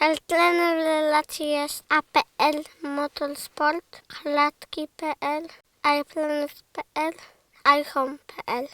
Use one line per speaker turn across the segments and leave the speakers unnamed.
El trener relacji jest APL Motorsport, klatki.pl, iPlanet.pl, iHome.pl.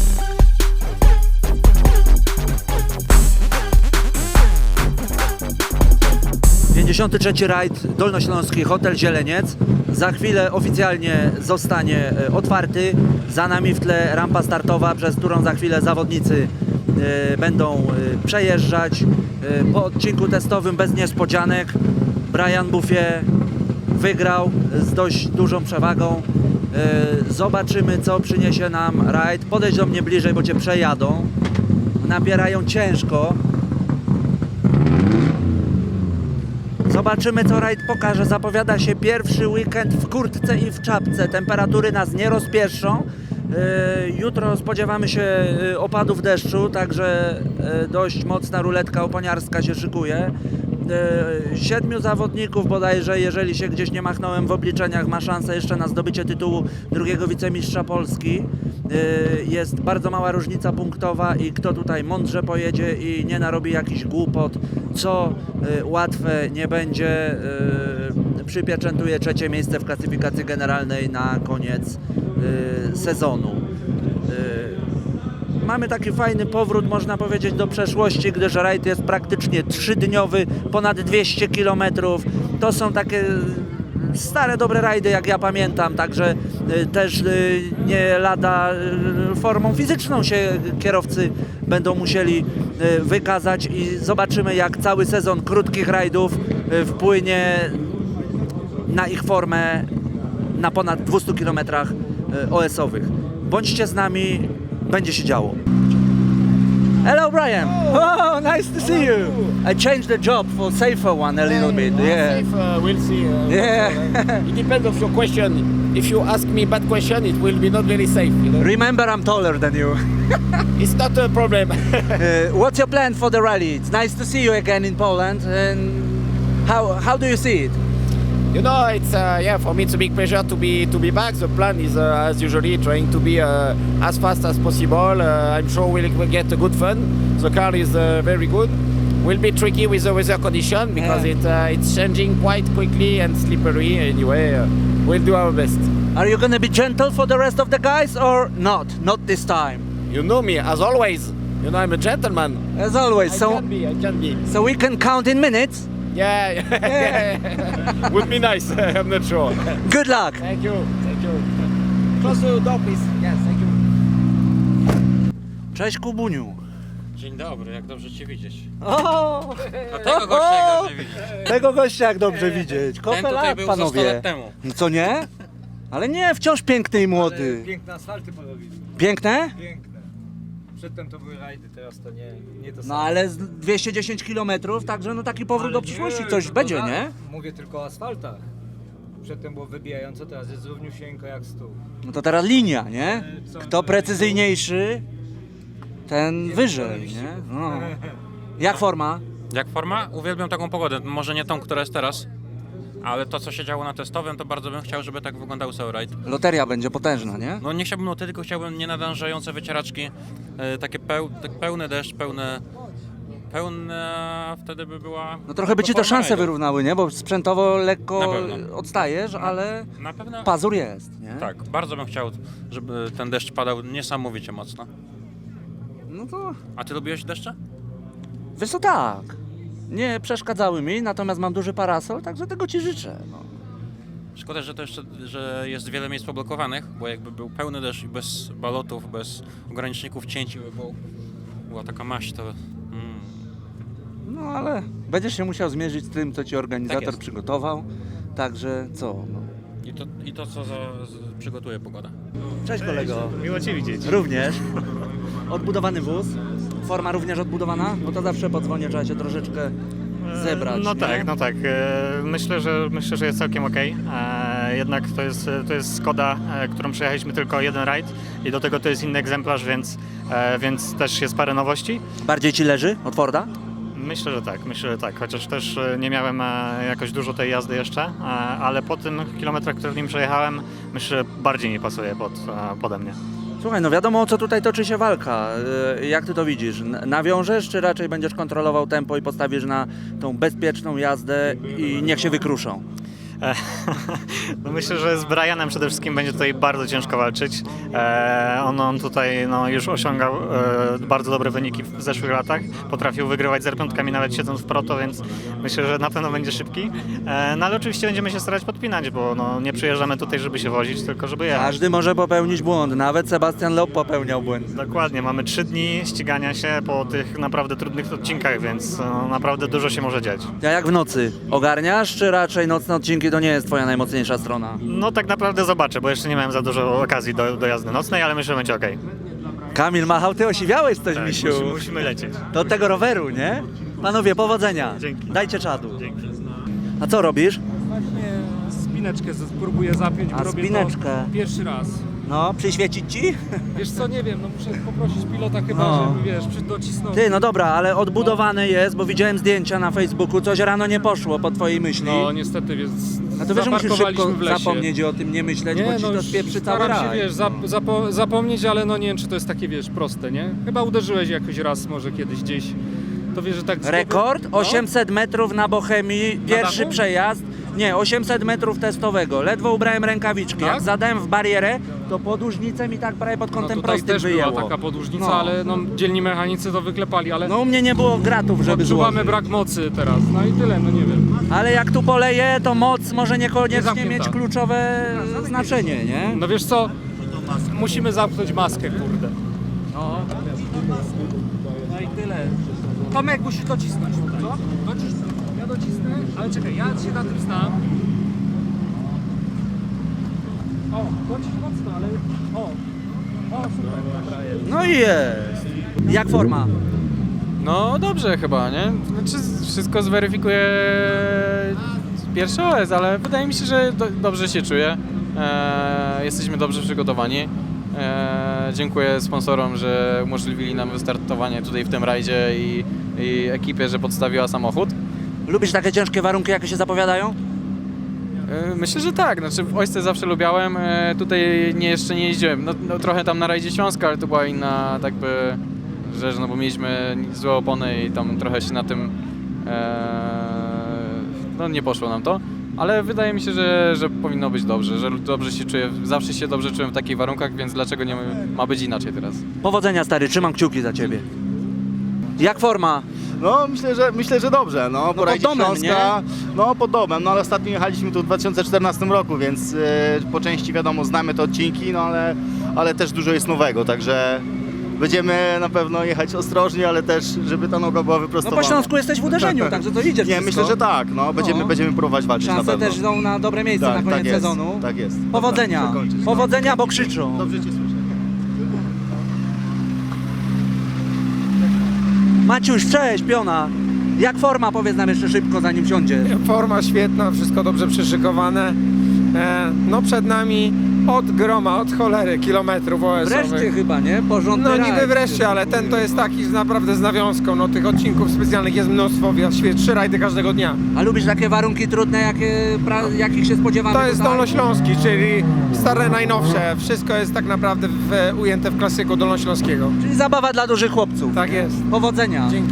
53. rajd Dolnośląski Hotel Zieleniec. Za chwilę oficjalnie zostanie otwarty. Za nami w tle rampa startowa, przez którą za chwilę zawodnicy będą przejeżdżać. Po odcinku testowym bez niespodzianek Brian Buffet wygrał z dość dużą przewagą. Zobaczymy, co przyniesie nam rajd. Podejdź do mnie bliżej, bo cię przejadą. Nabierają ciężko. Zobaczymy, co rajd pokaże. Zapowiada się pierwszy weekend w kurtce i w czapce. Temperatury nas nie rozpieszczą. Jutro spodziewamy się opadów deszczu, także dość mocna ruletka oponiarska się szykuje. 7 zawodników bodajże, jeżeli się gdzieś nie machnąłem w obliczeniach, ma szansę jeszcze na zdobycie tytułu drugiego wicemistrza Polski. Jest bardzo mała różnica punktowa i kto tutaj mądrze pojedzie i nie narobi jakichś głupot, co łatwe nie będzie, przypieczętuje 3. miejsce w klasyfikacji generalnej na koniec sezonu. Mamy taki fajny powrót, można powiedzieć, do przeszłości, gdyż rajd jest praktycznie 3-dniowy, ponad 200 km. To są takie stare, dobre rajdy, jak ja pamiętam, także też nie lada formą fizyczną się kierowcy będą musieli wykazać i zobaczymy, jak cały sezon krótkich rajdów wpłynie na ich formę na ponad 200 km OS-owych. Bądźcie z nami, będzie się działo. Hello Brian! Oh, nice to see you! I changed the job for safer one a little bit. Yeah.
Safe, we'll see.
Yeah.
It depends of your question. If you ask me bad question, it will be not very safe. You know?
Remember, I'm taller than you.
It's not a problem.
What's your plan for the rally? It's nice to see you again in Poland. And how do you see it?
You know, it's for me it's a big pleasure to be back. The plan is as usually trying to be as fast as possible. I'm sure we'll get a good fun. The car is very good. Will be tricky with the weather condition because it's changing quite quickly and slippery. Anyway, we'll do our best.
Are you going to be gentle for the rest of the guys or not? Not this time.
You know me as always. You know I'm a gentleman.
As always.
I can be.
So we can count in minutes.
Yeah. Would be nice. I'm not sure.
Good luck.
Thank you. Close the door, please. Yes, thank you.
Cześć Kubuniu.
Dzień dobry, jak dobrze Cię widzieć.
O!
A tego gościa jak dobrze widzieć.
Tego gościa jak dobrze widzieć.
Ten
Kopę
tutaj
lat,
był za 100
panowie.
lat temu.
Co nie? Ale nie, wciąż piękny i młody.
Piękne asfalty porobili.
Piękne?
Piękne. Przedtem to były rajdy, teraz to nie to
No
samo.
ale z 210 km, także no taki powrót do
Ale
przyszłości,
nie,
coś
to
będzie,
tak.
nie?
Mówię tylko o asfaltach. Przedtem było wybijająco, teraz jest równiusieńko jak stół.
No to teraz linia, nie?
Co?
Kto precyzyjniejszy, ten wyżej, nie? No. Jak forma?
Jak forma? Uwielbiam taką pogodę. Może nie tą, która jest teraz, ale to, co się działo na testowym, to bardzo bym chciał, żeby tak wyglądał cały rajd.
Loteria będzie potężna, nie?
No nie chciałbym loty, tylko chciałbym nienadążające wycieraczki, takie pełny deszcz, pełne wtedy by była...
No trochę by ci to
forma
szanse
rajdu.
wyrównały, nie? Bo sprzętowo lekko
Na pewno.
odstajesz, ale
Na pewno...
pazur jest, nie?
Tak, bardzo bym chciał, żeby ten deszcz padał niesamowicie mocno.
No to
A Ty lubiłeś deszcze?
wiesz co, tak. Nie przeszkadzały mi, natomiast mam duży parasol, także tego ci życzę. No.
Szkoda, że to jeszcze, że jest wiele miejsc poblokowanych, bo jakby był pełny deszcz i bez balotów, bez ograniczników cięć, by była taka maść, to...
No ale będziesz się musiał zmierzyć z tym, co ci organizator
jest.
przygotował. Także co? No.
I to co przygotuje pogoda.
Cześć kolego.
Miło Cię widzieć.
Również. Odbudowany wóz. Forma również odbudowana? No to zawsze po dzwonie trzeba się troszeczkę zebrać.
No
nie?
tak, no tak. Myślę, że jest całkiem okej. Jednak to jest Skoda, którą przejechaliśmy tylko jeden rajd i do tego to jest inny egzemplarz, więc też jest parę nowości.
Bardziej ci leży od Forda?
Myślę, że tak, chociaż też nie miałem jakoś dużo tej jazdy jeszcze, ale po tym kilometrach, które w nim przejechałem, myślę, że bardziej mi pasuje pode mnie.
Słuchaj, no wiadomo o co tutaj toczy się walka. Jak ty to widzisz? Nawiążesz, czy raczej będziesz kontrolował tempo i postawisz na tą bezpieczną jazdę i niech się wykruszą?
No myślę, że z Brianem przede wszystkim będzie tutaj bardzo ciężko walczyć. On tutaj no, już osiągał bardzo dobre wyniki w zeszłych latach. Potrafił wygrywać z R5 nawet siedząc w proto, więc myślę, że na pewno będzie szybki. No ale oczywiście będziemy się starać podpinać, bo no, nie przyjeżdżamy tutaj, żeby się wozić, tylko żeby jechać.
Każdy może popełnić błąd, nawet Sebastian Loeb popełniał błąd.
Dokładnie, mamy 3 dni ścigania się po tych naprawdę trudnych odcinkach, więc no, naprawdę dużo się może dziać.
A jak w nocy? Ogarniasz, czy raczej nocne odcinki to nie jest twoja najmocniejsza strona?
No tak naprawdę zobaczę, bo jeszcze nie miałem za dużo okazji do jazdy nocnej, ale myślę, że będzie okej.
Kamil machał, ty osiwiałeś coś, misiu.
Musimy lecieć.
Do tego roweru, nie? Panowie, powodzenia.
Dzięki.
Dajcie czadu.
Dzięki.
A co robisz?
Właśnie spineczkę spróbuję zapiąć,
A,
bo robię
spineczkę.
to pierwszy raz.
No, przyświecić ci?
Wiesz co, nie wiem, no muszę poprosić pilota chyba,
No.
żeby wiesz, docisnął.
Ty, no dobra, ale odbudowane jest, bo widziałem zdjęcia na Facebooku, coś rano nie poszło po twojej myśli.
No niestety, więc
A to wiesz, że musisz szybko
zaparkowaliśmy w lesie.
zapomnieć i o tym nie myśleć, bo ci to
już
spieprzy cały
staram się,
raj.
wiesz, zapomnieć, ale no nie wiem, czy to jest takie, wiesz, proste, nie? Chyba uderzyłeś jakoś raz, może kiedyś gdzieś. To wiesz, że tak...
Rekord?
No.
800 metrów na Bochemii, pierwszy
dachu?
przejazd. Nie, 800 metrów testowego. Ledwo ubrałem rękawiczki.
Tak?
Jak zadałem w barierę, to podłużnicę mi tak prawie pod
No
kątem
tutaj
prostym
też
wyjęło.
była taka podłużnica,
No.
ale no, dzielni mechanicy to wyklepali, ale
No u mnie nie było gratów, żeby
odczuwamy
złożyć.
brak mocy teraz. No i tyle, no nie wiem.
Ale jak tu poleje, to moc może
Nie
niekoniecznie
zamknięta.
mieć kluczowe znaczenie, nie?
No wiesz co, musimy zamknąć maskę, kurde.
No.
No i tyle. Tomek, musisz docisnąć. Co? Docisnę. Ja docisnę, ale czekaj, ja się na tym znam. O, dociśnij mocno, ale... O, super, dobra jest.
No i jest. Jak forma?
No dobrze chyba, nie? Znaczy wszystko zweryfikuje pierwszy OS, ale wydaje mi się, że dobrze się czuję. Jesteśmy dobrze przygotowani. Dziękuję sponsorom, że umożliwili nam wystartowanie tutaj w tym rajdzie i ekipie, że podstawiła samochód.
Lubisz takie ciężkie warunki, jakie się zapowiadają?
Myślę, że tak. Znaczy w Ojsce zawsze lubiałem. Tutaj jeszcze nie jeździłem. No trochę tam na rajdzie Śląska, ale to była inna tak by rzecz, no bo mieliśmy złe opony i tam trochę się na tym no nie poszło nam to. Ale wydaje mi się, że powinno być dobrze, że dobrze się czuję. Zawsze się dobrze czułem w takich warunkach, więc dlaczego nie ma być inaczej teraz?
Powodzenia, stary, trzymam kciuki za ciebie. Jak forma?
No myślę, że dobrze. No, po
pod
rajdzie
domem,
Śląska, no pod domem, no ale ostatnio jechaliśmy tu w 2014 roku, więc po części wiadomo znamy te odcinki, no ale też dużo jest nowego, także będziemy na pewno jechać ostrożnie, ale też żeby ta noga była
No
wyprostowana.
po Śląsku jesteś w uderzeniu, także to idziesz
Nie,
wszystko.
myślę, że tak, no będziemy próbować walczyć na
Szanse
pewno.
też są na dobre miejsce
Tak,
na koniec
tak jest,
sezonu.
tak jest.
Powodzenia,
Dobra, zakończyć.
powodzenia, bo krzyczą.
Dobrze cię słyszę.
Maciuś, cześć, piona. Jak forma, powiedz nam jeszcze szybko, zanim wsiądzie.
Forma świetna, wszystko dobrze przyszykowane. No przed nami od groma, od cholery kilometrów
Wreszcie
OS-owych.
chyba, nie? Porządny
No
rajd.
niby wreszcie, ale ten to jest taki naprawdę z nawiązką. No tych odcinków specjalnych jest mnóstwo, 3 rajdy każdego dnia.
A lubisz takie warunki trudne, jakich się spodziewamy
To jest
tutaj?
Dolnośląski, czyli stare najnowsze. Wszystko jest tak naprawdę ujęte w klasyku dolnośląskiego.
Czyli zabawa dla dużych chłopców.
Tak jest.
Powodzenia.
Dzięki.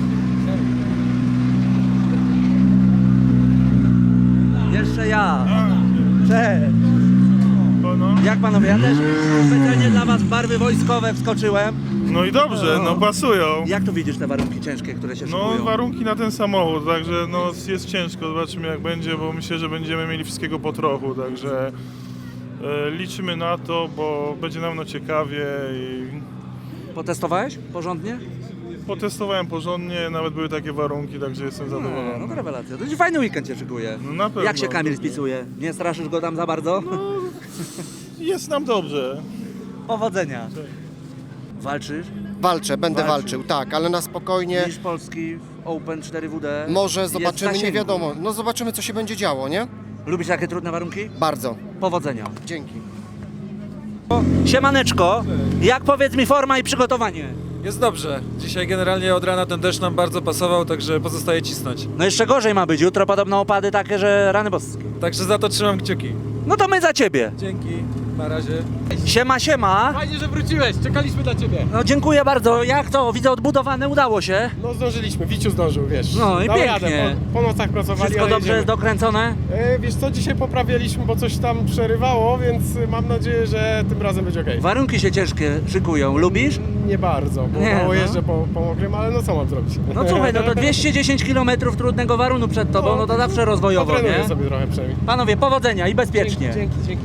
Jeszcze ja. Cześć. Jak panowie, ja też specjalnie dla was w barwy wojskowe wskoczyłem.
No i dobrze, no pasują.
Jak tu widzisz te warunki ciężkie, które się
No
szykują?
warunki na ten samochód, także no jest ciężko, zobaczymy jak będzie, bo myślę, że będziemy mieli wszystkiego po trochu, także liczymy na to, bo będzie nam ciekawie i
Potestowałeś porządnie?
potestowałem porządnie, nawet były takie warunki, także jestem
No
zadowolony.
to rewelacja. To ci fajny weekend się szykuje.
No na pewno.
Jak się Kamil spisuje? Nie straszysz go tam za bardzo?
Jest nam dobrze.
Powodzenia. Walczysz?
Walczę, będę
Walczysz.
walczył, tak, ale na spokojnie.
Mistrz Polski w Open 4WD.
Może
jest w
zobaczymy, nie
zasięgu.
wiadomo. No zobaczymy, co się będzie działo, nie?
Lubisz takie trudne warunki?
Bardzo.
Powodzenia.
Dzięki.
Siemaneczko, jak powiedz mi forma i przygotowanie?
Jest dobrze. Dzisiaj generalnie od rana ten deszcz nam bardzo pasował, także pozostaje cisnąć.
No jeszcze gorzej ma być, jutro podobno opady takie, że rany boskie.
Także za to trzymam kciuki.
No to my za ciebie.
Dzięki. Na razie.
Siema, siema.
Fajnie, że wróciłeś, czekaliśmy na ciebie.
No dziękuję bardzo. Jak to? Widzę odbudowane, udało się.
No zdążyliśmy, Wiciu zdążył, wiesz.
No i
Dał
pięknie.
radę, po nocach pracowali,
Wszystko
ale
dobrze
jedziemy.
jest dokręcone?
Wiesz co, dzisiaj poprawialiśmy, bo coś tam przerywało, więc mam nadzieję, że tym razem będzie okej.
Warunki się ciężkie szykują. Lubisz?
Nie bardzo, bo
Nie,
mało
no.
jeżdżę po mokrym, ale no co mam zrobić?
No słuchaj, no to 210 km trudnego warunku przed tobą, no to zawsze rozwojowo,
Potrenuję
nie?
sobie trochę przynajmniej.
Panowie, powodzenia i bezpiecznie.
Dzięki.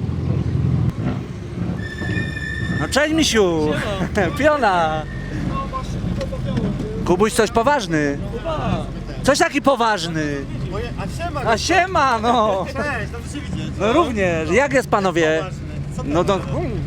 No cześć misiu! Piona! Kubuś coś poważny. Coś taki poważny. A siema, no!
Cześć, dobrze się widzieć.
No również. Jak jest panowie? No to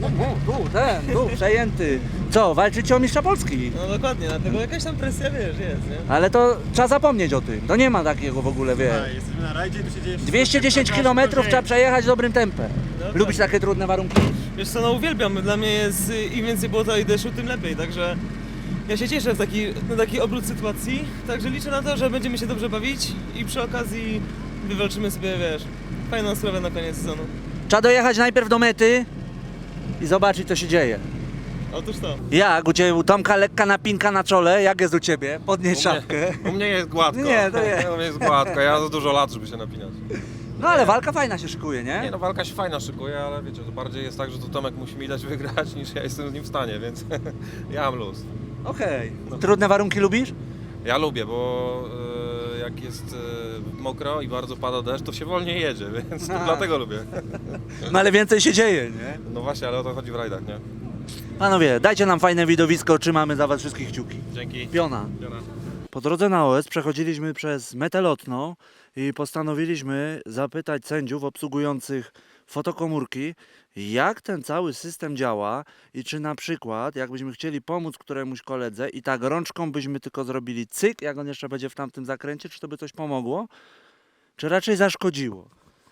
tu, przejęty. Co, walczycie o mistrza Polski?
No dokładnie, dlatego jakaś tam presja, wiesz, jest, nie?
Ale to trzeba zapomnieć o tym. To nie ma takiego w ogóle, wiesz.
Jesteśmy na rajdzie i tu się dzieje wszystko.
210 km trzeba przejechać dobrym tempem. Lubisz takie trudne warunki?
Wiesz co, no uwielbiam, dla mnie jest im więcej błota i deszczu, tym lepiej, także ja się cieszę na taki obrót sytuacji, także liczę na to, że będziemy się dobrze bawić i przy okazji wywalczymy sobie, wiesz, fajną sprawę na koniec sezonu.
Trzeba dojechać najpierw do mety i zobaczyć, co się dzieje.
Otóż to.
Jak? U Ciebie, u Tomka lekka napinka na czole? Jak jest u Ciebie? Podnieś szafkę.
U mnie jest gładko.
Nie, to jest.
U mnie jest gładko, ja za dużo lat, żeby się napinać.
No ale walka fajna się szykuje,
Nie
nie?
no, walka się fajna szykuje, ale wiecie, to bardziej jest tak, że to Tomek musi mi dać wygrać, niż ja jestem z nim w stanie, więc ja mam luz.
Okej. Trudne warunki lubisz?
Ja lubię, bo jak jest mokro i bardzo pada deszcz, to się wolniej jedzie, więc to dlatego lubię.
No ale więcej się dzieje, nie?
No właśnie, ale o to chodzi w rajdach, nie?
Panowie, dajcie nam fajne widowisko, trzymamy za was wszystkich kciuki.
Dzięki.
Piona. Po drodze na OS przechodziliśmy przez metę lotną i postanowiliśmy zapytać sędziów obsługujących fotokomórki, jak ten cały system działa i czy na przykład, jakbyśmy chcieli pomóc któremuś koledze i tak rączką byśmy tylko zrobili cyk, jak on jeszcze będzie w tamtym zakręcie, czy to by coś pomogło, czy raczej zaszkodziło?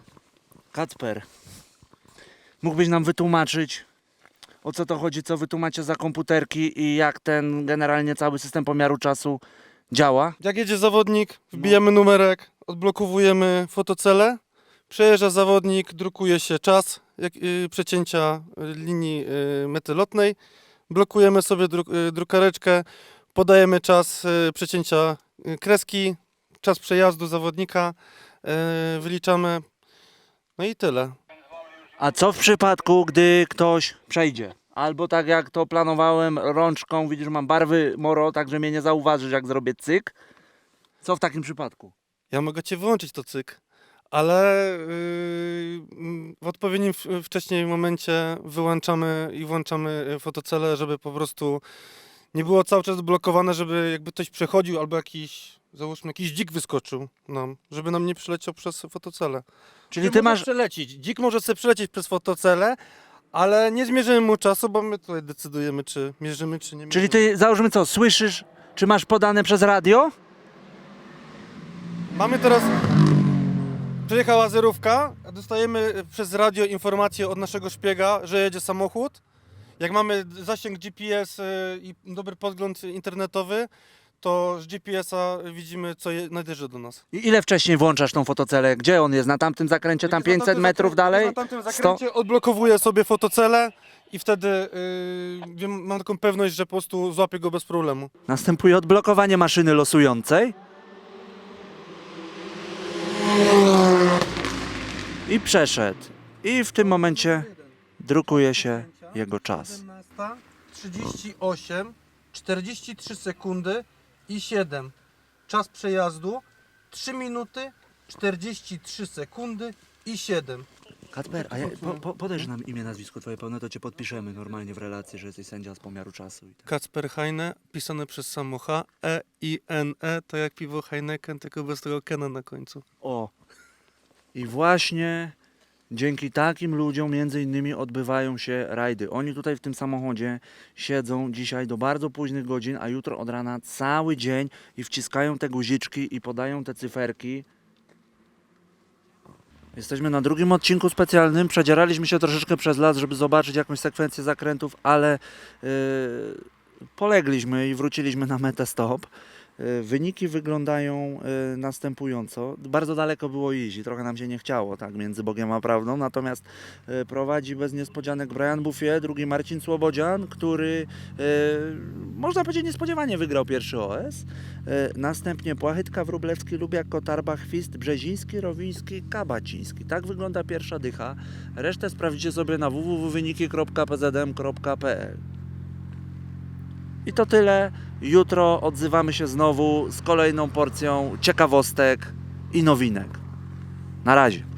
Kacper, mógłbyś nam wytłumaczyć, o co to chodzi, co wy tu macie za komputerki i jak ten generalnie cały system pomiaru czasu działa?
Jak jedzie zawodnik, wbijamy numerek, odblokowujemy fotocelę, przejeżdża zawodnik, drukuje się czas przecięcia linii mety lotnej, blokujemy sobie drukareczkę, podajemy czas przecięcia kreski, czas przejazdu zawodnika, wyliczamy, no i tyle.
A co w przypadku, gdy ktoś przejdzie? Albo tak jak to planowałem rączką, widzisz, mam barwy moro, także mnie nie zauważysz, jak zrobię cyk. Co w takim przypadku?
Ja mogę cię wyłączyć to cyk, ale w odpowiednim wcześniej momencie wyłączamy i włączamy fotocelę, żeby po prostu nie było cały czas blokowane, żeby jakby ktoś przechodził albo jakiś, załóżmy, jakiś dzik wyskoczył nam, żeby nam nie przyleciał przez fotocelę.
Czyli ty masz...
przelecieć. Dzik może sobie przelecieć przez fotocelę, ale nie zmierzymy mu czasu, bo my tutaj decydujemy, czy mierzymy, czy nie mierzymy.
Czyli ty, załóżmy co, słyszysz, czy masz podane przez radio?
Mamy teraz... Przyjechała zerówka, dostajemy przez radio informację od naszego szpiega, że jedzie samochód. Jak mamy zasięg GPS i dobry podgląd internetowy, to z GPS-a widzimy, co nadjeżdża do nas.
I ile wcześniej włączasz tą fotocelę? Gdzie on jest? Na tamtym zakręcie, tam 500 metrów dalej?
Na tamtym zakręcie odblokowuję sobie fotocelę i wtedy mam taką pewność, że po prostu złapię go bez problemu.
Następuje odblokowanie maszyny losującej. I przeszedł. I w tym momencie drukuje się jego czas.
38, 43 sekundy i 7. Czas przejazdu 3 minuty, 43 sekundy i 7.
Kacper, a podajże nam imię, nazwisko twoje pełne, to cię podpiszemy normalnie w relacji, że jesteś sędzia z pomiaru czasu. I tak.
Kacper Heine, pisane przez samo H, E-I-N-E, to jak piwo Heineken, tylko bez tego Kena na końcu.
O! I właśnie dzięki takim ludziom między innymi odbywają się rajdy. Oni tutaj w tym samochodzie siedzą dzisiaj do bardzo późnych godzin, a jutro od rana cały dzień i wciskają te guziczki i podają te cyferki. Jesteśmy na drugim odcinku specjalnym. Przedzieraliśmy się troszeczkę przez las, żeby zobaczyć jakąś sekwencję zakrętów, ale polegliśmy i wróciliśmy na metę stop. Wyniki wyglądają następująco. Bardzo daleko było iść i trochę nam się nie chciało, tak, między Bogiem a prawdą. Natomiast prowadzi bez niespodzianek Brian Buffie, drugi Marcin Słobodzian, który można powiedzieć niespodziewanie wygrał pierwszy OS. Następnie Płachytka, Wróblewski, Lubiak, Kotarba, Chwist, Brzeziński, Rowiński, Kabaciński. Tak wygląda pierwsza dycha. Resztę sprawdzicie sobie na www.wyniki.pzdm.pl. I to tyle. Jutro odzywamy się znowu z kolejną porcją ciekawostek i nowinek. Na razie.